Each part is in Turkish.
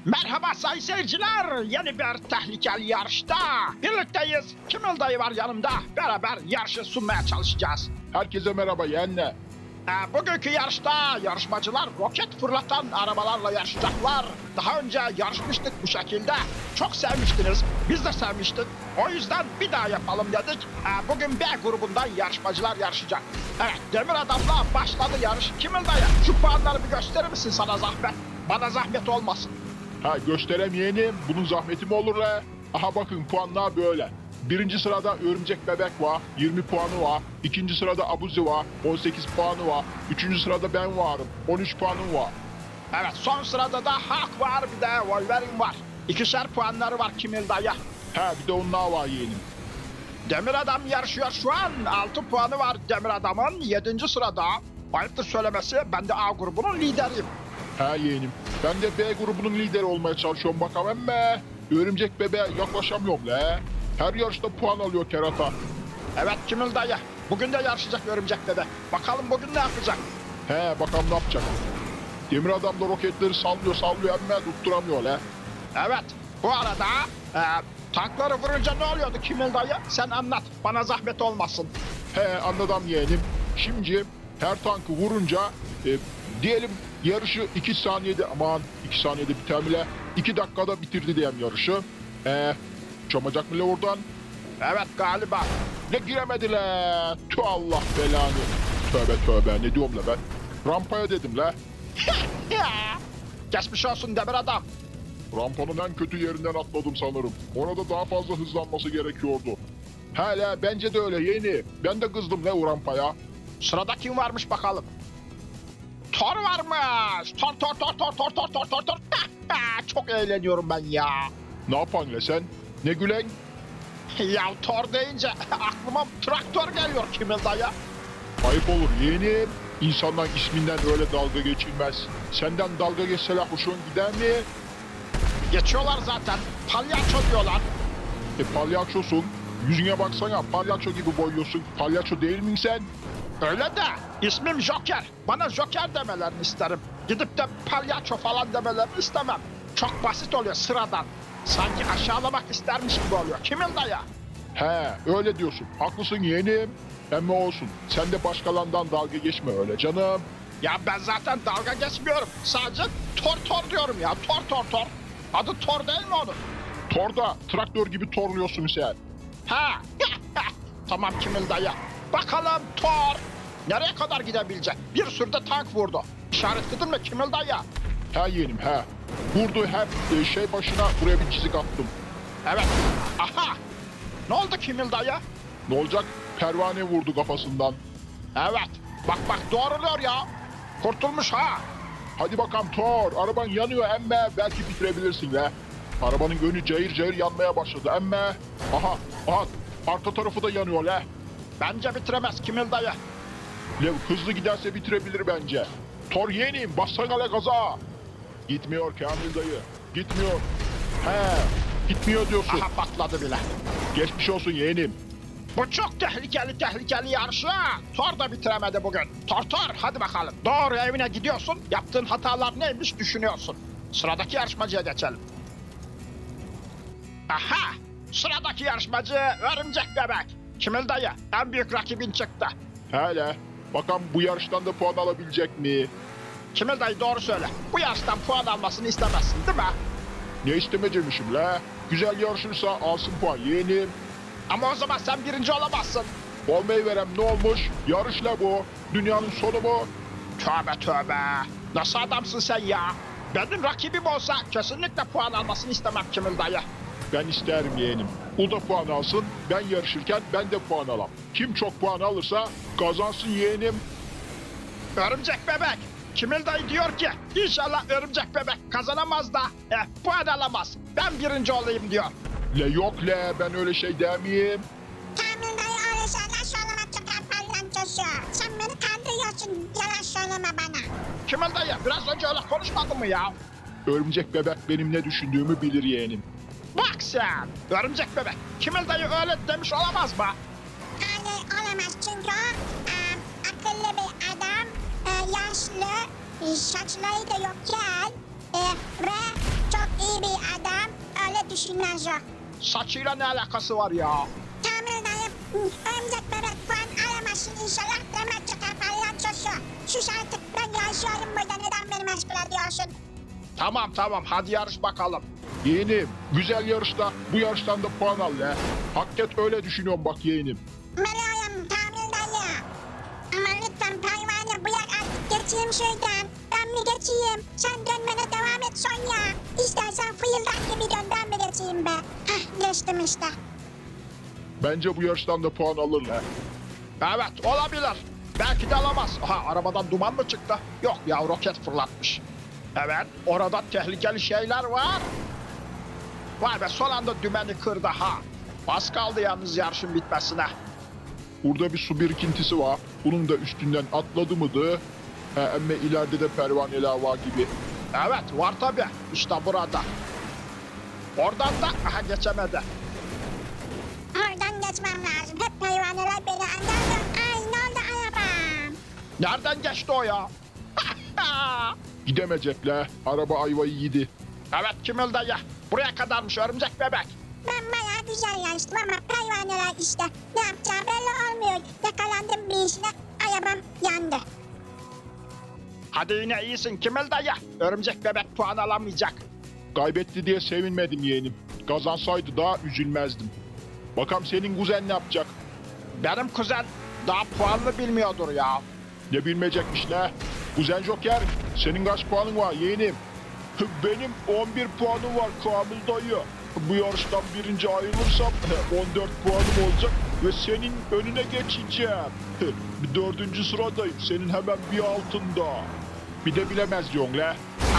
Merhaba sayın seyirciler. Yeni bir tehlikeli yarışta birlikteyiz. Kimil dayı var yanımda. Beraber yarışı sunmaya çalışacağız. Herkese merhaba yeğenle. Bugünkü yarışta yarışmacılar roket fırlatan arabalarla yarışacaklar. Daha önce yarışmıştık bu şekilde. Çok sevmiştiniz. Biz de sevmiştik. O yüzden bir daha yapalım dedik. Bugün B grubundan yarışmacılar yarışacak. Evet, Demir Adam'la başladı yarış. Kimil dayı, şu puanları bir gösterir misin sana zahmet? Bana zahmet olmasın. Gösterem yeğenim. Bunun zahmeti mi olur la? Aha bakın puanlar böyle. Birinci sırada Örümcek Bebek var. 20 puanı var. İkinci sırada Abuzi var. 18 puanı var. Üçüncü sırada ben varım. 13 puanım var. Evet, son sırada da Hulk var, bir de Wolverine var. 2'şer puanları var Kimil dayı. Bir de onlar var yeğenim. Demir Adam yarışıyor şu an. 6 puanı var Demir Adam'ın. 7. sırada. Ayıptır söylemesi, ben de A grubunun lideriyim. Yeğenim. Ben de B grubunun lideri olmaya çalışıyorum bakalım emme. Örümcek Bebeğe yaklaşamıyorum la. Her yarışta puan alıyor kerata. Evet Kimil dayı. Bugün de yarışacak Örümcek Bebek. Bakalım bugün ne yapacak? Bakalım ne yapacak. Demir Adam da roketleri sallıyor emme tutturamıyor la. Evet. Bu arada tankları vurunca ne oluyordu Kimil dayı? Sen anlat. Bana zahmet olmasın. Anladım yeğenim. Şimdi her tankı vurunca diyelim yarışı 2 saniyede 2 saniyede biter mi la? 2 dakikada bitirdi diyeyim yarışı. Çamacak mı la oradan? Evet galiba. Ne giremedi la? Tüh Allah belanı. Tövbe ne diyorum la ben? Rampaya dedim la. Geçmiş olsun Demir Adam. Rampanın en kötü yerinden atladım sanırım. Orada daha fazla hızlanması gerekiyordu. Hala bence de öyle yeni. Ben de kızdım la o rampaya. Sırada kim varmış bakalım? Thor varmış. Thor. Çok eğleniyorum ben ya. Ne yapan la sen? Ne gülen? Ya Thor deyince aklıma traktör geliyor Kimil dayı. Ayıp olur yeğenim. İnsandan isminden öyle dalga geçilmez. Senden dalga geçseler hoşun gider mi? Geçiyorlar zaten. Palyaço diyorlar. Palyaçosun. Yüzüne baksana palyaço gibi boyuyorsun. Palyaço değil misin sen? Öyle de ismim Joker. Bana Joker demelerini isterim. Gidip de palyaço falan demelerini istemem. Çok basit oluyor sıradan. Sanki aşağılamak istermiş gibi oluyor. Kimil dayı? Öyle diyorsun. Haklısın yeğenim. Ama olsun. Sen de başkalarından dalga geçme öyle canım. Ya ben zaten dalga geçmiyorum. Sadece Thor diyorum ya. Thor. Adı Thor değil mi onun? Torda traktör gibi torluyorsun sen. Tamam Kimil dayı. Bakalım Thor nereye kadar gidebilecek? Bir sürü de tank vurdu. İşaretledin mi Kimil dayı? Yeğenim Vurdu hep şey başına buraya bir çizik attım. Evet. Aha. Ne oldu Kimil dayı? Ne olacak? Pervane vurdu kafasından. Evet. Bak doğruluyor ya. Kurtulmuş ha. Hadi bakalım Thor. Araban yanıyor emme. Belki bitirebilirsin la. Arabanın önü cayır yanmaya başladı emme. Aha. Arka tarafı da yanıyor la. Bence bitiremez Kimil dayı. Hızlı giderse bitirebilir bence. Thor yeğenim bassana la gaza. Gitmiyor Kamil dayı. Gitmiyor. Gitmiyor diyorsun. Aha patladı bile. Geçmiş olsun yeğenim. Bu çok tehlikeli yarışı. Thor da bitiremedi bugün. Thor hadi bakalım. Doğru evine gidiyorsun. Yaptığın hatalar neymiş düşünüyorsun. Sıradaki yarışmacıya geçelim. Aha! Sıradaki yarışmacı Örümcek Bebek. Kimil dayı en büyük rakibin çıktı. Bakalım bu yarıştan da puan alabilecek mi? Kimil dayı doğru söyle. Bu yarıştan puan almasını istemezsin değil mi? Ne istemeyecekmişim la? Güzel yarışırsa alsın puan yeğenim. Ama o zaman sen birinci olamazsın. Olmayı verem ne olmuş? Yarışla bu. Dünyanın sonu mu? Tövbe. Nasıl adamsın sen ya? Benim rakibim olsa kesinlikle puan almasını istemem Kimil dayı. Ben isterim yeğenim. O da puan alsın. Ben yarışırken ben de puan alam. Kim çok puan alırsa kazansın yeğenim. Örümcek Bebek. Kimil dayı diyor ki inşallah Örümcek Bebek kazanamaz da puan alamaz. Ben birinci olayım diyor. Yok ben öyle şey demeyeyim. Kamil dayı öyle şeyler söyleme çıkar palyaçosu. Sen beni kandırıyorsun. Yalan söyleme bana. Kimil dayı biraz önce öyle konuşmadın mı ya? Örümcek Bebek benim ne düşündüğümü bilir yeğenim. Bak sen. Örümcek Bebek. Kimil dayı öyle demiş olamaz mı? Hayır olamaz çünkü akıllı bir adam, yaşlı, saçları da yokken ve çok düşünüyorsun Joe? Saçıyla ne alakası var ya? Kamil dayı örümcek bebek puan alamasın inşallah deme çıkar palyaçosu. Sus artık ben yaşıyorum burada neden beni meşgul ediyorsun? Tamam hadi yarış bakalım. Yeğenim güzel yarışta bu yarıştan da puan al le. Hakikat öyle düşünüyorum bak yeğenim. Meryem Kamil dayı. Ama lütfen pervane bırak artık geçeyim şuradan. Ben mi geçeyim? Sen dönmene devam et Sonya. İstersen fıyıldak gibi dön ben mi geçeyim be? Hah geçtim işte. Bence bu yarıştan da puan alır le. Evet olabilir. Belki de alamaz. Aha arabadan duman mı çıktı? Yok ya roket fırlatmış. Evet orada tehlikeli şeyler var. Vay be son anda dümeni kırdı ha. Az kaldı yalnız yarışın bitmesine. Burada bir su birikintisi var. Bunun da üstünden atladı mıydı? Emme ileride de pervaneler var gibi. Evet var tabi. İşte burada. Oradan da aha geçemedi. Oradan geçmem lazım. Hep pervaneler beni anlarlar. Ay ne oldu arabam? Nereden geçti o ya? Gidemeyecek le. Araba ayvayı yedi. Evet Kimil dayı. Buraya kadarmış örümcek bebek. Ben bayağı güzel yarıştım ama pervaneler işte. Ne yapacağı belli olmuyor. Yakalandım bir işine. Arabam yandı. Hadi yine iyisin Kimil dayı. Örümcek bebek puan alamayacak. Kaybetti diye sevinmedim yeğenim. Kazansaydı daha üzülmezdim. Bakalım senin kuzen ne yapacak? Benim kuzen daha puanlı bilmiyordur ya. Ne bilmeyecekmiş ne? Kuzen Joker, senin kaç puanın var yeğenim? Benim 11 puanım var Kamil dayı. Bu yarıştan birinci ayrılırsam 14 puanım olacak ve senin önüne geçeceğim. Dördüncü sıradayım, senin hemen bir altında. Bir de bilemez diyorsun le.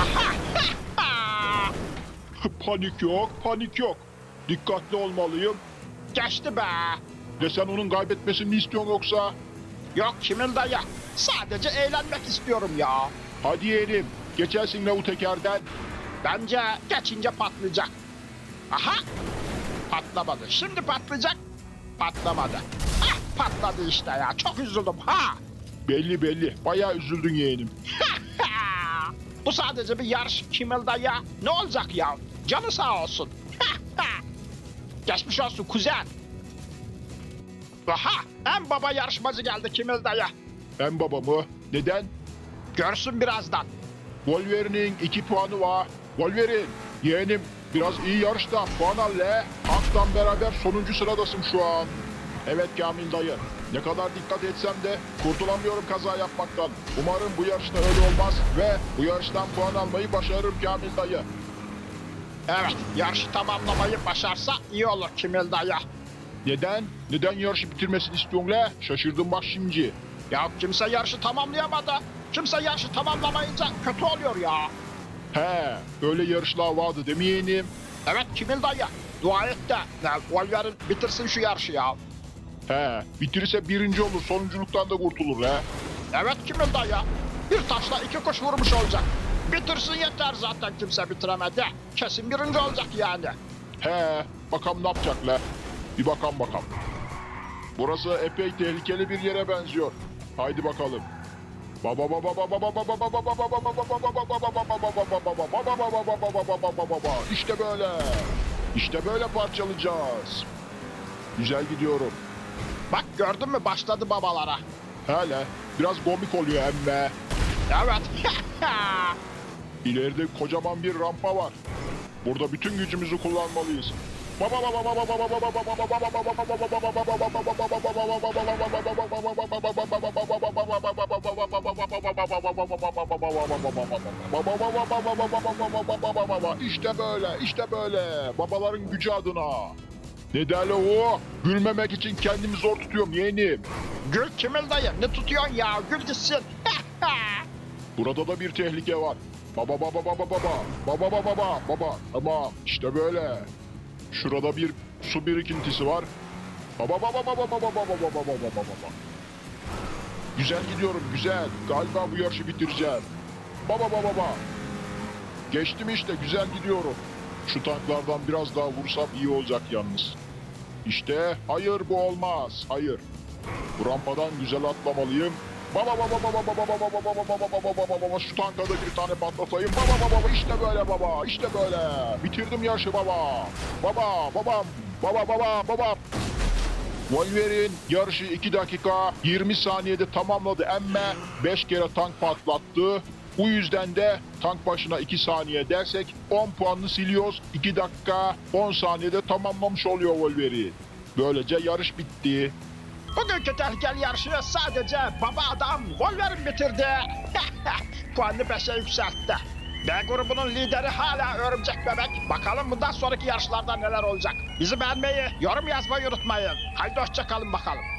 Panik yok, panik yok. Dikkatli olmalıyım. Geçti be. De sen onun kaybetmesini mi istiyorsun yoksa? Yok Kimil dayı. Sadece eğlenmek istiyorum ya. Hadi yeğenim, geçersin la bu tekerden. Bence geçince patlayacak. Aha! Patlamadı. Şimdi patlayacak. Patlamadı. Ah patladı işte ya. Çok üzüldüm ha. Belli belli, bayağı üzüldün yeğenim. Bu sadece bir yarış Kimil dayı. Ne olacak ya? Canı sağ olsun. Geçmiş olsun kuzen. Aha! En baba yarışmacı geldi Kimil dayı. Ben babamı. Neden? Görsün birazdan. Wolverine'in 2 puanı var. Wolverine, yeğenim biraz iyi yarışta puan al le. Hank'tan beraber sonuncu sıradasın şu an. Evet Kamil dayı. Ne kadar dikkat etsem de kurtulamıyorum kaza yapmaktan. Umarım bu yarışta öyle olmaz ve bu yarıştan puan almayı başarırım Kamil dayı. Evet, yarışı tamamlamayı başarsa iyi olur Kimil dayı. Neden? Neden yarışı bitirmesini istiyorsun le? Şaşırdım bak şimdi. Ya kimse yarışı tamamlayamadı. Kimse yarışı tamamlamayınca kötü oluyor ya. He, öyle yarışlar vardı değil mi yeğenim? Evet Kimil dayı, dua et de Wolverine bitirsin şu yarışı ya. He, bitirirse birinci olur, sonunculuktan da kurtulur he. Evet Kimil dayı, bir taşla iki kuş vurmuş olacak. Bitirsin yeter zaten kimse bitiremedi. Kesin birinci olacak yani. He, bakalım ne yapacak le? Bir bakalım. Burası epey tehlikeli bir yere benziyor. Haydi bakalım. İşte böyle. İşte böyle parçalayacağız. Güzel gidiyorum. Bak gördün mü başladı babalara. Hele biraz komik oluyor emme. Evet. İleride kocaman bir rampa var. Burada bütün gücümüzü kullanmalıyız. İşte böyle, işte böyle. Babaların gücü adına. Ne derler o? Gülmemek için kendimi zor tutuyorum yeğenim. Gül Kimil dayı ne tutuyorsun ya gül gitsin. Burada da bir tehlike var. Baba. Tamam işte böyle. Şurada bir su birikintisi var. Baba. Güzel gidiyorum güzel. Galiba bu yarışı bitireceğim. Baba. Geçtim işte güzel gidiyorum. Şu tanklardan biraz daha vursam iyi olacak yalnız. İşte hayır bu olmaz. Hayır. Bu rampadan güzel atlamalıyım. Baba şu tanka da bir tane patlatayım. Baba işte böyle baba. İşte böyle. Bitirdim yarışı baba. Baba. Wolverine yarışı 2 dakika 20 saniyede tamamladı emme 5 kere tank patlattı. Bu yüzden de tank başına 2 saniye dersek 10 puanını siliyoruz. 2 dakika 10 saniyede tamamlamış oluyor Wolverine. Böylece yarış bitti. Bugünkü tehlikeli yarışı sadece baba adam Wolverine bitirdi. Puanını 5'e yükseltti. B grubunun lideri hala Örümcek Bebek. Bakalım bundan sonraki yarışlarda neler olacak. Bizi beğenmeyi, yorum yazmayı unutmayın. Haydi hoşça kalın bakalım.